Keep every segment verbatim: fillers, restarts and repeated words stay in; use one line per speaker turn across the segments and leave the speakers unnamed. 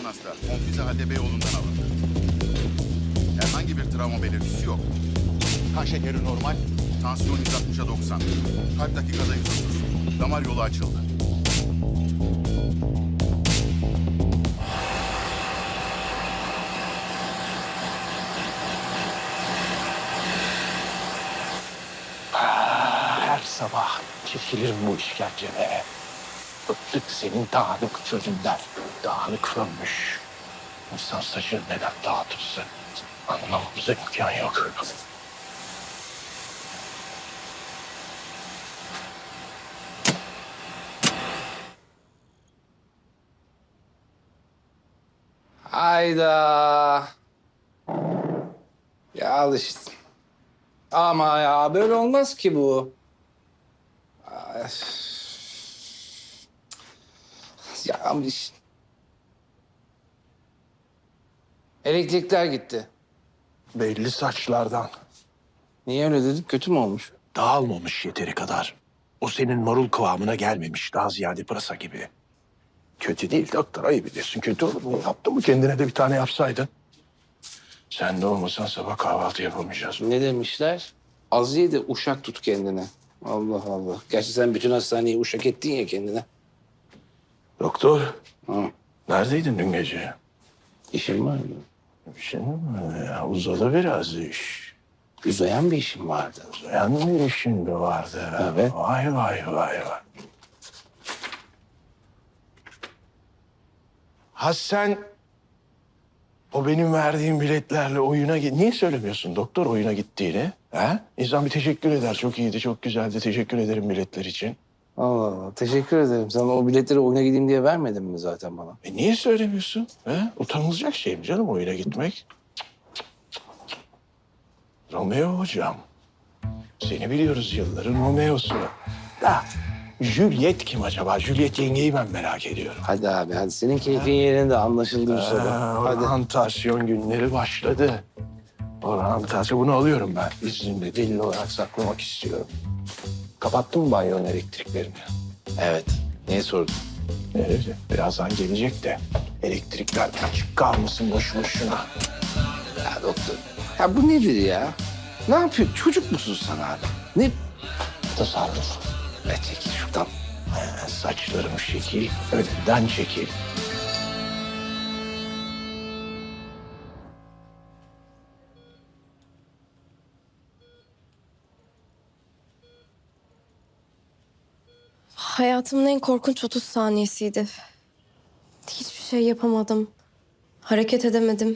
baygın hasta. Konfüze halde Beyoğlu'ndan alındı. Herhangi bir travma belirtisi yok.
Kan şekeri normal.
Tansiyon yüz altmışa doksan. Kalp dakikada yüz otuz. Damar yolu açıldı.
Her sabah çekilirim bu işkenceye. Bıktık senin dağınık sözünden. Dağınık sönmüş. İnsan saçını neden dağıtırsın? Anlamamıza imkan yok.
Hayda. Ya al işte. Ama ya böyle olmaz ki bu. Ay. Ya ama işte. Elektrikler gitti.
Belli saçlardan.
Niye öyle dedik? Kötü mü olmuş?
Dağılmamış yeteri kadar. O senin marul kıvamına gelmemiş. Daha ziyade pırasa gibi. Kötü değil doktor. Ayıp ediyorsun. Kötü olur mu? Yaptın mı? Kendine de bir tane yapsaydın. Sen de olmasan sabah kahvaltı yapamayacağız.
Ne demişler? Az ye de uşak tut kendine. Allah Allah. Gerçi sen bütün hastaneyi uşak ettin ya kendine.
Doktor,
Ha,
neredeydin dün gece?
işin var mı?
Bir şey mi? Ya, uzadı biraz iş.
Uzayan bir işin vardı.
Uzayan bir işin mi vardı?
Evet.
Vay vay vay vay. Ha sen o benim verdiğim biletlerle oyuna git. Niye söylemiyorsun doktor oyuna gittiğini? Ha? İnsan bir teşekkür eder. Çok iyiydi, çok güzeldi. Teşekkür ederim biletler için.
Allah Allah. Teşekkür ederim. Sen o biletleri oyuna gideyim diye vermedin mi zaten bana?
E niye söylemiyorsun? Ha? Utanılacak şey mi canım oyuna gitmek? Romeo hocam. Seni biliyoruz yılların Romeo'su. Da Juliet kim acaba? Juliet yengeyi ben merak ediyorum.
Hadi abi hadi. Senin keyfin yerinde anlaşıldı bu
Ha,
sabah. Hadi.
oryantasyon günleri başladı. Oryantasyon bunu alıyorum ben. İznimle delil olarak saklamak istiyorum. Kapattın mı banyonun elektriklerini?
Evet. Niye sordun?
Evet, birazdan gelecek de elektrikler açık kalmasın boş boşuna.
Ya doktor. Ya bu nedir ya? Ne yapıyor? Çocuk musun sen abi? Ne?
Tasarruf.
Ne çekil şuradan.
Ha, saçlarım şekil, önden çekil.
Hayatımın en korkunç otuz saniyesiydi. Hiçbir şey yapamadım. Hareket edemedim.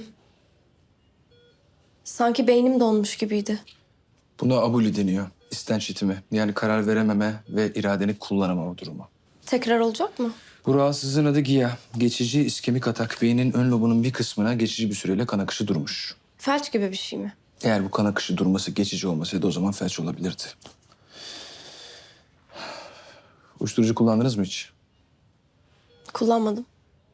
Sanki beynim donmuş gibiydi.
Buna abuli deniyor. İstenç itimi. Yani karar verememe ve iradeni kullanamama durumu.
Tekrar olacak mı?
Bu rahatsızlığın adı GİA. Geçici iskemik atak. Beynin ön lobunun bir kısmına geçici bir süreyle kan akışı durmuş.
Felç gibi bir şey mi?
Eğer bu kan akışı durması geçici olmasaydı o zaman felç olabilirdi. Uyuşturucu kullandınız mı hiç?
Kullanmadım.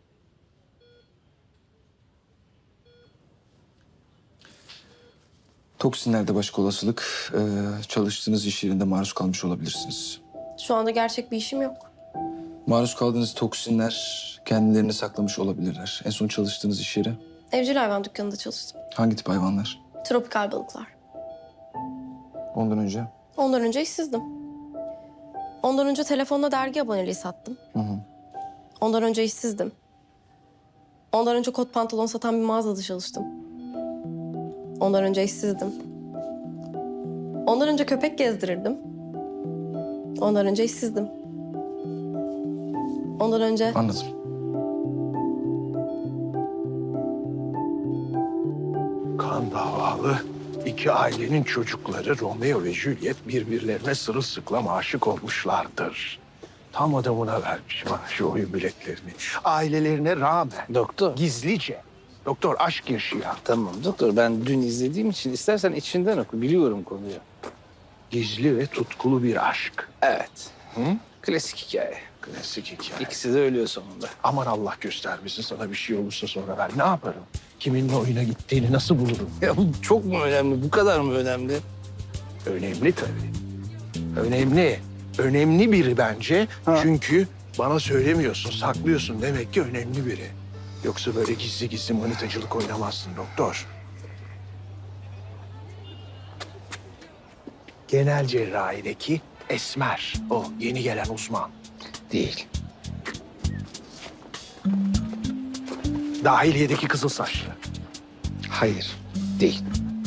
Toksinlerde başka olasılık. Ee, çalıştığınız iş yerinde maruz kalmış olabilirsiniz.
Şu anda gerçek bir işim yok.
Maruz kaldığınız toksinler kendilerini saklamış olabilirler. En son çalıştığınız iş yeri
Evcil hayvan dükkanında çalıştım.
hangi tip hayvanlar?
Tropikal balıklar.
Ondan önce?
Ondan önce işsizdim. Ondan önce telefonla dergi aboneliği sattım.
Hı hı.
Ondan önce işsizdim. Ondan önce kot pantolon satan bir mağazada çalıştım. Ondan önce işsizdim. Ondan önce köpek gezdirirdim. Ondan önce işsizdim. Ondan önce...
Anladım.
Kan davalı iki ailenin çocukları Romeo ve Juliet birbirlerine sırılsıklam aşık olmuşlardır. Tam adamına vermişim ha şu oyun biletlerini. Ailelerine rağmen
Doktor.
gizlice. Doktor aşk yaşıyor.
Tamam doktor. Ben dün izlediğim için istersen içinden oku. Biliyorum konuyu.
Gizli ve tutkulu bir aşk.
Evet.
Hı?
Klasik hikaye.
Klasik hikaye.
İkisi de ölüyor sonunda.
Aman Allah göstermesin sana bir şey olursa sonra ben ne yaparım? Kiminle oyuna gittiğini nasıl bulurum?
Ya bu çok mu önemli? Bu kadar mı önemli?
Önemli tabii. Önemli. Önemli biri bence.
Ha.
Çünkü bana söylemiyorsun, saklıyorsun. Demek ki önemli biri. Yoksa böyle gizli gizli manitacılık oynamazsın doktor. Genel cerrahideki Esmer. O yeni gelen uzman.
Değil.
Dahiliyedeki kızıl saçlı.
Hayır. Değil.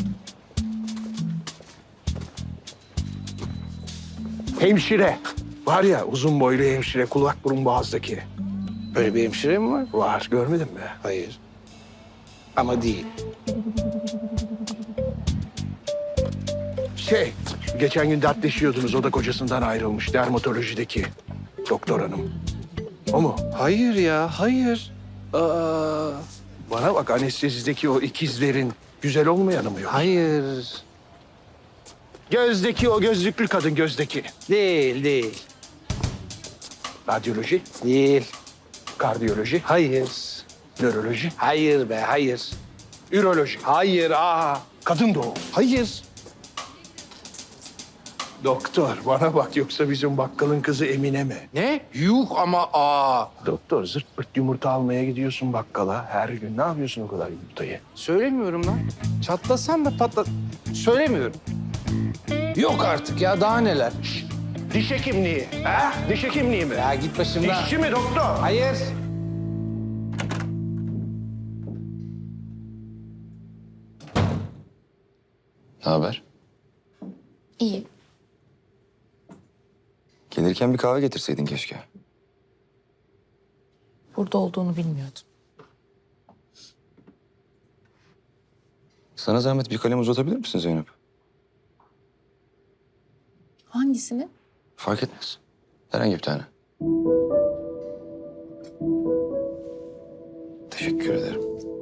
Hemşire. Var ya uzun boylu hemşire, kulak burun boğazdaki.
Böyle bir hemşire mi var?
Var, görmedin mi?
Hayır. Ama değil.
Şey, geçen gün dertleşiyordunuz. O da kocasından ayrılmış. Dermatolojideki doktor hanım. O mu?
Hayır ya, hayır. Aa,
Bana bak, anestezideki o ikizlerin güzel olmayanı mı yok?
hayır.
Gözdeki o gözlüklü kadın, gözdeki.
Değil, değil.
Radyoloji,
Değil.
kardiyoloji,
Hayır.
nöroloji,
Hayır be, hayır.
üroloji,
Hayır, aa.
kadın doğum.
Hayır.
Doktor, bana bak, yoksa bizim bakkalın kızı Emine mi?
Ne? Yuh ama aa.
Doktor, zırt pırt yumurta almaya gidiyorsun bakkala her gün. Ne yapıyorsun o kadar yumurtayı?
Söylemiyorum lan. Çatlasam da patla... Söylemiyorum. Yok artık ya, daha neler?
Diş hekimliği, ha? Diş hekimliği mi?
Ya git başımdan.
Dişçi mi doktor?
Hayır.
Ne haber?
İyi.
Gelirken bir kahve getirseydin keşke.
Burada olduğunu bilmiyordum.
Sana zahmet bir kalem uzatabilir misin Zeynep?
Hangisini?
Fark etmez. Herhangi bir tane. Teşekkür ederim.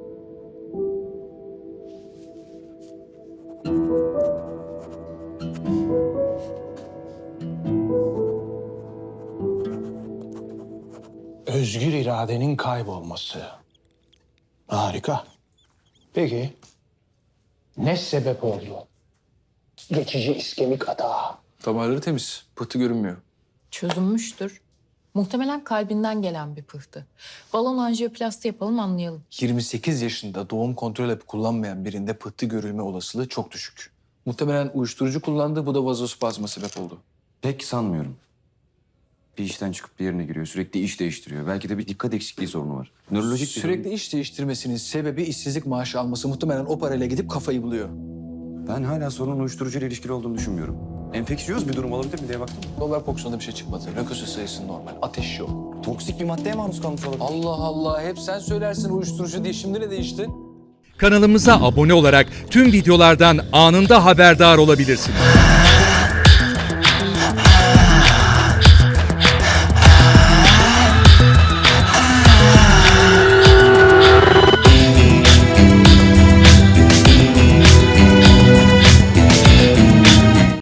Özgür iradenin kaybolması. Harika. Peki, ne sebep oldu? Geçici iskemik atağı.
Damarları temiz. Pıhtı görünmüyor.
Çözülmüştür. Muhtemelen kalbinden gelen bir pıhtı. Balon anjiyoplasti yapalım, anlayalım.
yirmi sekiz yaşında doğum kontrol hapı kullanmayan birinde pıhtı görülme olasılığı çok düşük. Muhtemelen uyuşturucu kullandı. Bu da vazospazma sebep oldu.
Pek sanmıyorum. Bir işten çıkıp diğerine giriyor. Sürekli iş değiştiriyor. Belki de bir dikkat eksikliği sorunu var. Nörolojik bir
Sürekli
sorun.
iş değiştirmesinin sebebi işsizlik maaşı alması. Muhtemelen o parayla gidip kafayı buluyor.
Ben hala sorunun uyuşturucuyla ilişkili olduğunu düşünmüyorum. Enfeksiyöz bir durum olabilir mi diye baktım.
Dolar kokusunda bir şey çıkmadı. Lökosit sayısı normal. Ateş yok.
Toksik bir maddeye maruz kalmış olabilir.
Allah Allah. Hep sen söylersin uyuşturucu diye. Şimdi ne değişti?
Kanalımıza abone olarak tüm videolardan anında haberdar olabilirsiniz.